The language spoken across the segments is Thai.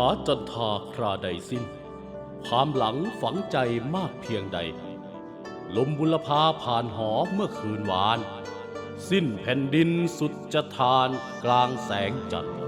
จันทาคราใดสิ้นความหลังฝังใจมากเพียงใดลมบุรพาผ่านหอเมื่อคืนวานสิ้นแผ่นดินสุดจะทานกลางแสงจันทร์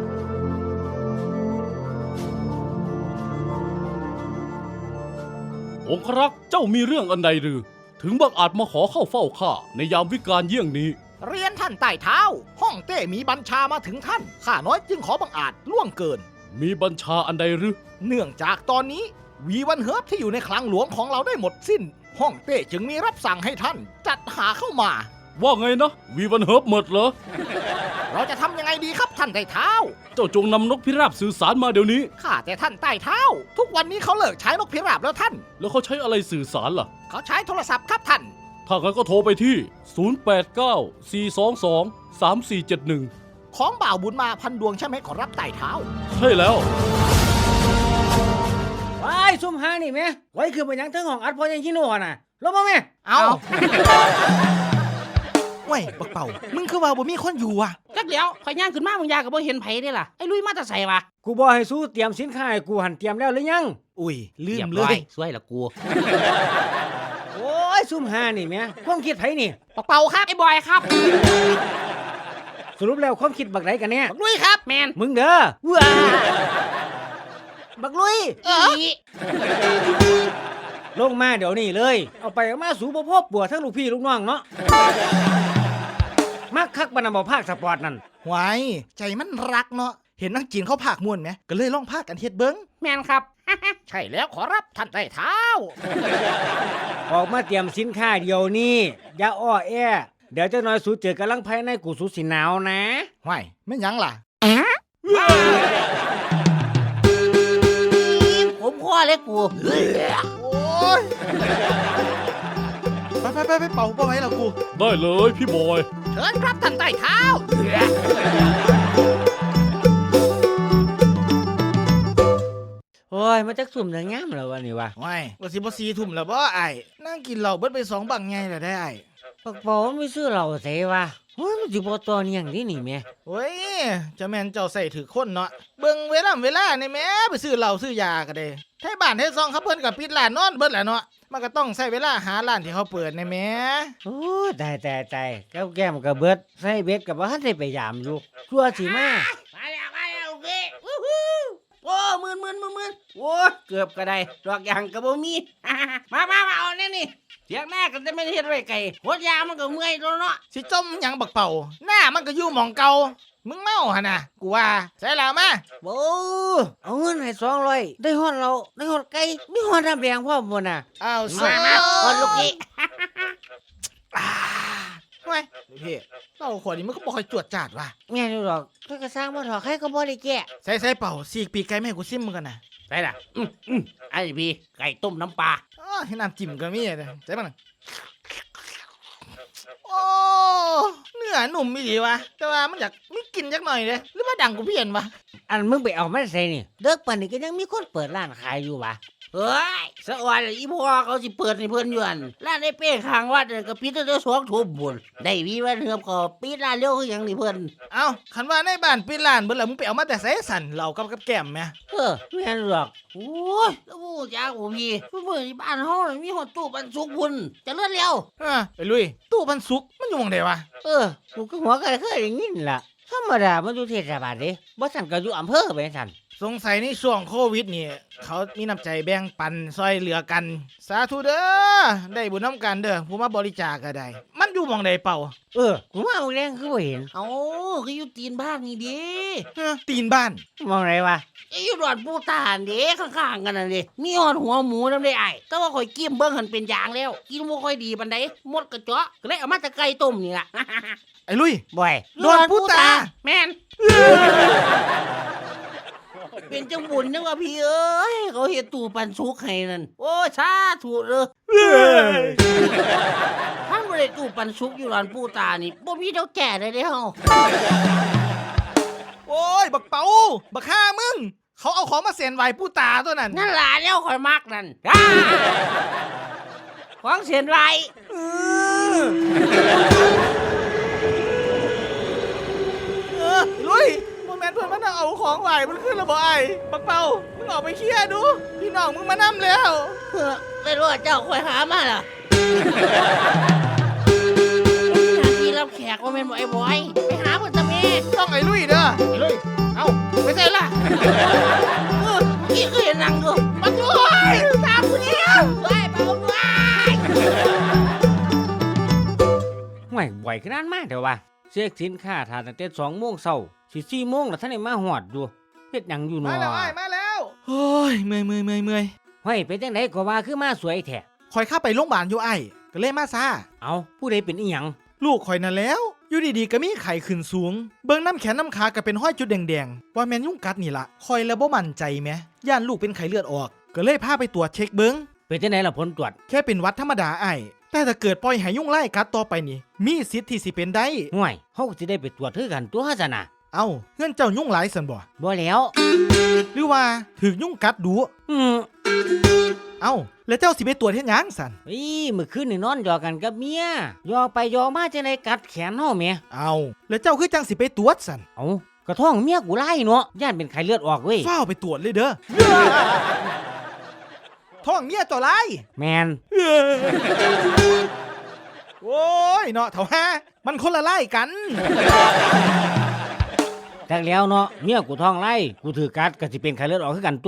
องครักษ์เจ้ามีเรื่องอันใดหรือถึงบังอาจมาขอเข้าเฝ้าข้าในยามวิกาลเยี่ยงนี้เรียนท่านใต้เท้าห้องเต้มีบัญชามาถึงท่านข้าน้อยจึงขอบังอาจล่วงเกินมีบัญชาอันใดหรือเนื่องจากตอนนี้วีวันเฮิร์บที่อยู่ในคลังหลวงของเราได้หมดสิ้นห้องเต้จึงมีรับสั่งให้ท่านจัดหาเข้ามาว่าไงนะวีวันเฮิร์บหมดเหรอเราจะทำยังไงดีครับท่านใต้เท้าเจ้าจงนำนกพิราบสื่อสารมาเดี๋ยวนี้ข้าแต่ท่านใต้เท้าทุกวันนี้เขาเลิกใช้นกพิราบแล้วท่านแล้วเขาใช้อะไรสื่อสารล่ะเขาใช้โทรศัพท์ครับท่านถ้างั้นก็โทรไปที่0894223471 ของบ่าวบุญมาพันดวงใช่ไหมขอรับใต้เท้าใช่แล้วไอ้ซุ่มหานี่แม่ไว้คือไปยังเทิงห้องอัดพอยังชิโน่น่ะลงมาแม่เอาเว้ยบักเป่ามึงคือว่าบ่มีคนอยู่อ่ะจักเดี๋ยวข่อยย่างขึ้นมามึงยาก็บ่เห็นไผเด้ล่ะไอ้ลุยมาแต่ไสวะกูบอกให้สู้เตรียมสินค้าให้กูหันเตรียมแล้วหรือยังอุ้ยลืมเลยสวยละกูโอ้ยซุ่มหานี่แม่ความคิดไผนี่บักเป่าครับไอ้บอยครับสรุปแล้วความคิดบักไหนกันเนี่ยบักลุยครับแมนมึงเด้อว้าบักลุยลงมาเดี๋ยวนี้เลยเอาไปเอามาสู่บ่พบปัวทั้งลูกพี่ลูกน้องเนาะมักคักบรรณาบ่ภาคสปอร์ตนั่นหวายใจมันรักเนาะเห็นนักจีนเขาภาคม่วนไหมก็เลยลองภาคกันเฮ็ดเบิ้งแมนครับใช่แล้วขอรับท่านใต้เท้าออกมาเตรียมสินค้าเดี๋ยวนี้อย่าอ้อแอเดี๋ยวเจ้าน้อยสูเจอกำลังภายในกูสูสิหนาวนะหวายไม่ยังล่ะผมพ่อเล็กกูโอ้ยไปเป่าไว้แล้วกูได้เลยพี่บอยเชิญครับท่านใต้เท้าโอ้ยมาจักสุ่มแต่งามแล้ววันนี้วะว้ายว่าสิบ่4 ทุ่มแล้วบ่ไอ้นั่งกินเหล้าเบิดไป2 บังไงแล้วได้ไอ้ปักบ่ไม่ซื้อเหล้าใส่วะโอ้ยมันสิบ่ตอนอย่างนี้นี่แม่โอ้ยจะแม่นเจ้าใส่ถือคนเนาะเบิ่งเวลานี่แม่ไปซื้อเหล้าซื้อยาก็ได้ไทบ้านไทซองเขาเพิ่นก็ปิดร้านนอนเบิดแหละเนาะมันก็ต้องใช้เวลาหาร้านที่เขาเปิดในแม่โอ้ตายแก้มกับเบิดใส่เบ็ดกับว่าได้ไปยามอยู่กลัวสิมาโอเคโอ้มืนโอ้เกือบก็ได้ดอกยางก็บ่มีมาเอาแน่นี่เสียงหน้าก็จะไม่เฮ็ดไว้ไกลโคตรยามันก็เมื่อยตัวเนาะสิจมหยังบักเป่าหน้ามันก็อยู่หม่องเก่ามึงเมาหั่นน่ะกูว่าใส่แล้วมาโอ้เอาเงินให้200ได้ฮอดเราได้ฮอดไก่มีฮอดน้ำแดงพร้อมบ่น่ะอ้าวมาฮอดลูกกี้ทำไมพี่เป่าขวดนี้มันก็บ่ค่อยจวดจาดว่ะแม่นอยู่ดอกถ้าก็สร้างบ่ถอใครก็บ่ได้แก้ใส่เป่าสีกปีกไก่แม่กูซิมมึงกันน่ะใส่ล่ะไอ้พี่ไก่ต้มน้ำปลาให้น้ำจิ้มก็มีเลยใส่มันโอ้เนื้อหนุ่มอีหลีวะแต่ว่ามันอยากมีกลิ่นจักหน่อยเลยหรือว่าดังกูเพี้ยนวะอันมึงไปเอามาใส่นี่เด็กปานนี้ก็ยังมีคนเปิดร้านขายอยู่วะเฮ้ยสะออนอีพ่อเขาสิเปิดให้เพิ่นอยู่อั่นร้านไอ้เป้ข้างวัดก็ปิดตั้งแต่2 ทุ่มพุ่นได้วีวันเฮือบก็ปิดร้านเร็วคือหยังนี่เพิ่นเอ้าคันว่าในบ้านปิดร้านเบิดแล้วมึงไปเอามาแต่ไสสั่นเหล้ากับแก้มแม่แม่นดอกโอ้ยแล้วบ่จักบ่พี่มื้อนี้บ้านเฮามีฮอดตู้ปันสุกพุ่นเจริญแล้วไปลุยตู้ปันสุกมันอยู่หม่องใดวะกูก็หัวก็เคยได้ยินล่ะธรรมดามันอยู่เทศบาลเด้บ่ซั่นก็อยู่อำเภอไปซั่นสงสัยในช่วงโควิดนี่เขามีน้ำใจแบ่งปันซอยเหลือกันสาธุเด้อได้บุญน้ำกันเด้อผู้มาบริจาคก็ได้มันอยู่หม่องใดเป่ากูว่าบ่แรงคือบ่เห็นคืออยู่ตีนบ้านนี่ดิตีนบ้านมองไหนวะอยู่ดอนปูตานเด้ข้างๆกันนั่นดิมีฮอดหัวหมูนำได้อ้ายแต่ว่าข่อยกิ้มเบิ่งหันเป็นอย่างแล้วกินบ่ค่อยดีปานใดหมดกระเจาะก็เลยเอามาแต่ไก่ต้มนี่ล่ะไอ้ลุยบ่อยดอนปูตาแม่นเป็นจังบุญนึกว่าพี่เอ้ยเขาเฮ็ดตู้ปันสุกให้นั่นโอ้สาธุเด้อถ้าบ่ได้ตู้ปันสุกอยู่ร้านปู่ตานี่บ่มีเท่าแก่ได้เด้เฮาโอ้ยบักเป๋าบักฆ่ามึงเขาเอาของมาเส้นไหว้ปู่ตาตัวนั้นนั่นล่ะแล้วข่อยมักนั่นของเส้นไหว้ลุยบ่แม่นนเพิ่นมานั่งเอาของไหวมันขึ้นแล้วบ่ไอ้บักเป่ามึงออกไปเคลียร์ดูพี่น้องมึงมานํแล้วไม่รู้ว่าเจ้าคอยหามาล่ะหน้าที่รับแขกว่าแม่นบ่ไอ้บอยไปหาเพิ่นตะแม่ต้องไอ้ลุยเด้อไอ้ลุยเอ้าไปใส่ล่ะกี่เคยนั่งดูมาด้วยตามกูแล้วไปเบาด้วยห่วยบ่อยขนาดมากเถอะวะเช็คสินค้าทานตั้งแต่2 โมงเช้าสิ4 โมงแล้วท่านได้มาฮอดอยู่เฮ็ดหยังอยู่มาเนาะแล้วไอ้มาแล้วโอ้ยเมื่อยห้วยเป็นจังไดก็ว่าคือมาสวยแท้คอยเข้าไปโรงพยาบาลอยู่ไอ้ก็เลยมาซาเอาผู้ใดเป็นอีหยังลูกคอยนั่นแล้วอยู่ดีๆก็มีไข้ขึ้นสูงเบิ่งน้ำแขนน้ำขาก็เป็นห้อยจุดแดงๆว่าแม่นยุงกัดนี่ล่ะคอยแล้วบ่มั่นใจแหมย่านลูกเป็นไข้เลือดออกก็เลยพาไปตรวจเช็คเบิ่งเป็นจังไดล่ะผลตรวจแค่เป็นหวัดธรรมดาไอ้แต่ถ้าเกิดปล่อยให้ยุงไล่กัดต่อไปนี่มีสิทธิ์ที่สิเป็นได้ห่วยเฮาสิได้ไปตรวจคือกันตัวซะนะเอ้าเงื่อนเจ้ายุ่งหลายสันบ่บ่แล้วหรือว่าถึกยุ่งกัดดู เอ้าแล้วเจ้าสิไปตรวจเฮ็ดหยังสันมื้อคืนนี่นอนหยอกกันกับเมียหยอกไปหยอกมาจังไดกัดแขนเฮาแหมเอ้าแล้วเจ้าคือจังสิไปตรวจสันเอากระท้องเมียกูไล่เนาะย่านเป็นไข้เลือดออกเว้ยฟ้าวไปตรวจเลยเด้อ ท้องเมียเจ้าไรแมนโอ้ยเนาะเถ่าฮะมันคนละไล่กันจักแล้วเนาะเมียกูท้องไล่กูถือกัดก็สิเป็นไข้เลือดออกคือกันตัว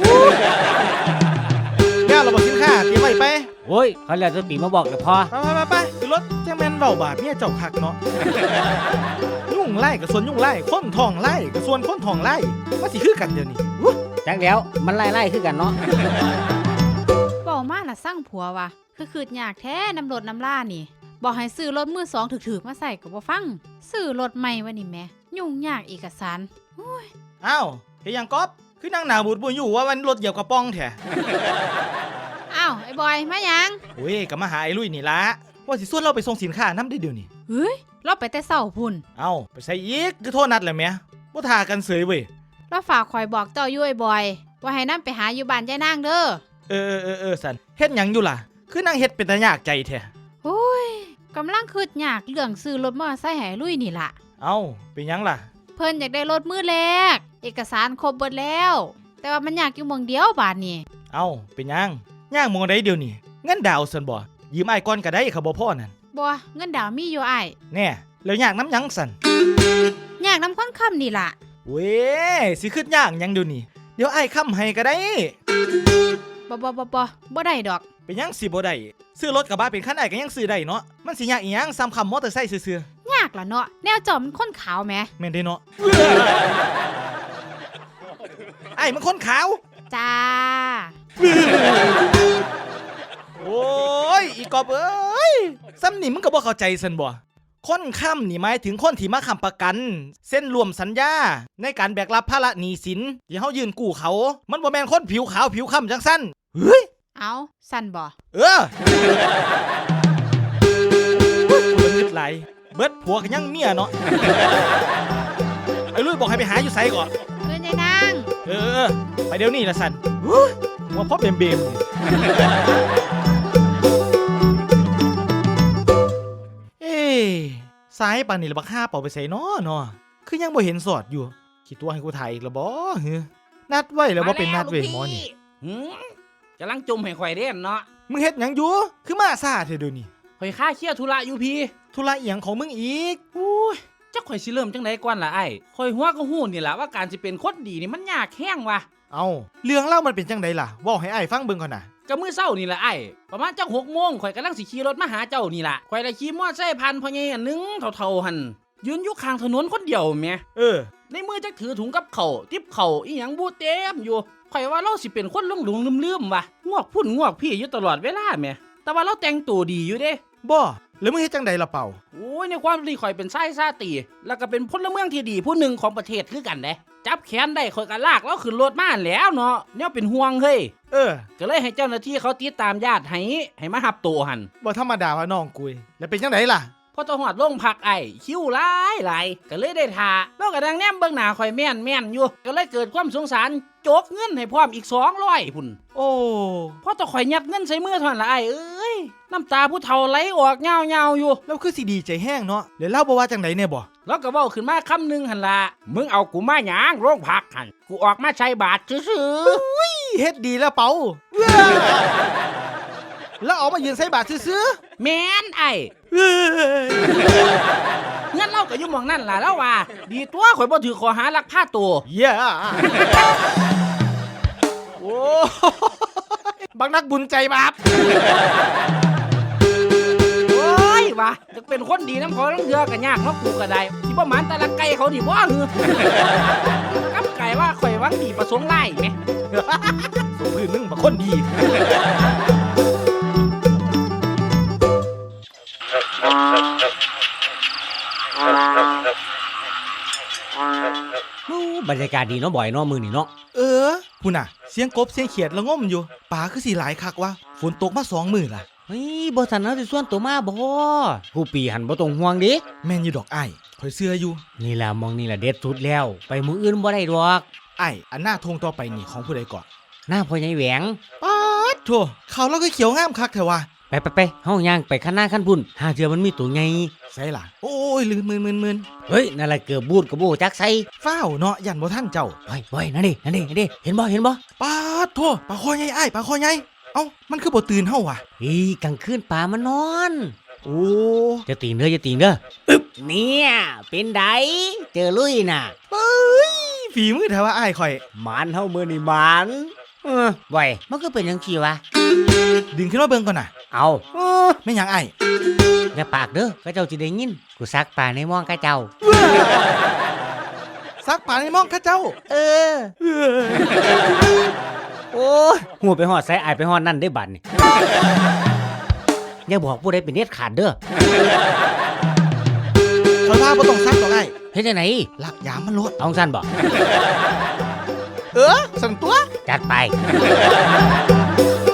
แม่เราบอกสินค้าเตรียมไว้ไปโอ้ยเขาแล้วจะปีมาบอกเดี๋ยวพอไปขึ้นรถแจ้งแมนเบาบาดเมียเจ้าคักเนาะ ยุ่งไล่กับส่วนยุ่งไล่คนทองไล่กับส่วนคนทองไล่ว่าสิคือกันเดี๋ยวนี้จักแล้วมันไล่คือกันเนาะเว้ามาน่ะสร้างผัวว่ะคืออยากแท้น้ำรถน้ำล่านี่บอกให้ซื้อรถมือ2ถึกๆมาใส่ก็บ่ฟังซื้อรถใหม่วะนี่แม่ยุ่งยากเอกสารอ้าวเฮียยังก๊อฟคือนั่งหนาบูดบุญอยู่ว่าวันรถเหยียบกระป๋องแท้อ้าวไอ้บอยมายังโอ้ยก็มาหาไอ้ลุยนี่ละว่าสิส่วนเราไปส่งสินค้าน้ำได้เดี๋ยวนี้เฮ้ยเราไปแต่เช้าพุ่นเอ้าไปใส่อีกคือโทษนัดแหละแม่บ่ทากันเสยเว้ยเราฝากคอยบอกเจ้าอยู่ไอ้บอย ว่าให้นํไปหาอยู่บ้านยายนางเด้อเออสันเฮ็ดหยังอยู่ล่ะ คือนั่งเฮ็ดเป็นตายากใจแท้โอ้ยกำลังคิดยากเรื่องซื้อรถมอเตอร์ไซค์ให้ลุยนี่ล่ะเอ้าเป็นหยังล่ะเพิ่นอยากได้รถมือแรกเอกสารครบเบิดแล้ว แต่ว่ามันยากอยู่หม่องเดียวบาดนี้เอ้าเป็นหยังย่างมองได้เดี๋ยวนี้เงินดาวสันบ่ยืมอ้ายก่อนก็ได้เขาบ่พอนั่นบ่เงินดาวมีอยู่อ้ายแน่แล้วยากน้ำหยังสันยากนำคนค้ำนี่ล่ะเว้ยสิขึ้นยากหยังเดี๋ยวนี้เดี๋ยวอ้ายค้ำให้ก็ได้บ่ได้ดอกเป็นหยังสิบ่ได้ซื้อรถกระบะเป็นคันอ้ายก็ยังซื้อได้เนาะมันสิยากอีหยังซ้ำคำมอเตอร์ไซค์ซื่อยากล่ะเนาะแนวจอมมันคนขาวแหมๆแม่นเด้เนาะ ไอ้มันคนขาวจ้าโอ้ยอีกอบเอ้ยซ้ำนี่มึงก็บ่เข้าใจซันบ่คนค้ำนี่หมายถึงคนที่มาค้ำประกัน เส้นรวมสัญญาในการแบกรับภาระหนี้สินที่เฮายืนกู้เขา มันบ่แม่นคนผิวขาวผิวค้ำจังซั่นเฮ้ยเอาสั่นบ่เออกูละงึดไหลเบิดผัวก็ยังเมียเนาะไอ้ลุยบอกให้ไปหาอยู่ไสก่อนเพื่อนยายนางเออไปเดี๋ยวนี้ละสันว่าพ่อเบมนี่เอ้สายปานนี่ละบักห้าเป่าไปใส่เนาะคือยังบ่เห็นสอดอยู่คิดตัวให้กูถ่ายอีกละบ่เฮ้อนัดไว้แล้วบ่เป็นนัดเว้ยหมอนี่กำลังจุ่มให้ข่อยเด่นเนาะมึงเฮ็ดหยังอยู่คือมาซ่าเถอะเดี๋ยวนี้ข่อยค่าเครียดธุระอยู่พี่ธุระอีหยังของมึงอีกโอ้ยจักข่อยสิเริ่มจังไดก่อนล่ะไอ้ข่อยหัวก็ฮู้นี่ล่ะว่าการสิเป็นคนดีนี่มันยากแห้งว่ะเอาเรื่องเล่ามันเป็นจังไดล่ะเว้าให้อ้ายฟังเบิ่งก่อนน่ะก็มื้อเช้านี่ล่ะไอ้ประมาณจัก6 โมงข่อยกำลังสิขี่รถมาหาเจ้านี่ล่ะข่อยได้ขี่มอไซค์ผ่านพ่อใหญ่อันนึงเฒ่าๆหั่นยืนอยู่ข้างถนนคนเดียวแหมเออในมือจักถือถุงกับข้าวติบข้าวอีหยังบูเต็มอยู่ข่อยว่าเราสิเป็นคนหลงๆลืมๆว่ะงวกพุ่นงวกพี่อยู่ตลอดเวลาแหมแต่ว่าเราแต่งตัวดีอยู่เด้บ่แล้วมึงเฮ็ดจังไดล่ะเป่าโอ้ยในความที่ข่อยเป็นชายชาตรีแล้วก็เป็นพลเมืองที่ดีผู้หนึ่งของประเทศคือกันเด้จับแขนได้ข่อยก็ลากแล้วขึ้นรถมาแหล้วเนาะแนวเป็นห่วงเฮ้ยเออก็เลยให้เจ้าหน้าที่เขาติดตามญาติให้มาหับตัวหันบ่ธรรมดาว่าน้องกุยแล้วเป็นจังไดล่ะพอเจ้าหอดลงพักไอ้คิ้วหลายก็เลยได้ทาแล้วก็ดังแนมเบิ่งหน้าข่อยแม่นอยู่ก็เลยเกิดความสงสารโจกเงินให้พร้อมอีก200พุ่นโอ้พอตะข่อยยัดเงินใส่มือเท่านั้นละไอ้เอ้ยน้ำตาผู้เฒ่าไหลออกเงาๆอยู่แล้วคือสิดีใจแห้งเนาะแล้วเล่าบ่ว่าจังไดเนี่ยบ่แล้วก็เว้าขึ้นมาคำหนึงหั่นล่ะมึงเอากูมาหยังโรงพักหั่นกูออกมาใช้บาทซื่อเฮ็ดดีแล้วเปาแล้วเอามายืนใส่บาทซื้อๆแม่นไอ้ๆเอ้ยเงินเราก็อยู่หม่องนั่นล่ะแล้วว่า ดีตัวข่อยบ่ถือข้อหาลักพาตัวเย้โอ้บักนักบุญใจบาปโอ้ยว่ะจะเป็นคนดีน้ำเขาต้องเดือกันยากเนาะกูก็ได้สิบ่หมานแต่ละไก่เขาดิบ่หือกับไก่ว่าข่อยหวังดีประสงค์ไล่แหมสุพื้นมึงบักคนดีบรรยากาศดีเนาะบ่อยเนาะมือนี่เนาะพูน่ะ เสียงกบเสียงเขียดละง่มอยู่ป่าคือสิหลายคักวะฝนตกมา2 มื้อล่ะเฮ้ยบ่ทันเฮาสิส่วนตัวมาบ่ผู้ปีหันบ่ต้องห่วงเดิแม่นอยู่ดอกอ้ายข่อยเชื่ออยู่นี่ล่ะมองนี่ล่ะเด็ดสุดแล้ว ไปมื้ออื่นบ่ได้ดอกอ้ายอันหน้าทงต่อไปนี่ของผู้ใดก่อนหน้าพ่อใหญ่แหวงป๊าดโธ่เขาเราก็เขียวงามคักแท้วะไปเฮาย่างไปคันหน้าคันพุ่นหาเจอมันมีตัวใหญ่ใส่ล่ะโอ้ยลืมมืนเฮ้ยนั่นล่ะเกือบบูดกับบ่จักใส่ฟ้าวเนาะยันบ่ทันเจ้าเฮ้ยนั่นดิเห็นบ่ป๊าดโธ่ปลาคอใหญ่อ้ายปลาคอใหญ่เอ้ามันคือบ่ตื่นเฮาวะอีกลางคืนป่ามานอนโอ้จะตีนเด้ออึ๊บเนี่ยเป็นไดเจอลุยน่ะฝีมือแท้ว่าอ้ายข่อยหมานเฮามื้อนี่หมานไว้มันก็เป็นจังซี่วะดึงขึ้นมาเบิ่งก่อนน่ะเอาแม่นหยังอ้ายอย่าปากเด้อเขาเจ้าสิได้ยินกูซักป่าในหม่องกะเจ้าซักป่าในหมองข้าเจ้าเออ โอ้ยหัวไปหอดใส่อายไปหอดนั่นได้บัดนี่ อย่าบอกผู้ใดเป็นเด็ดขาดเด้อข่อยว่าบ่ต้องซักดอกอ้ายเฮ็ดจังไหนลักยามมันโลดเอาซั่นบ่สั่นตัวจัดไป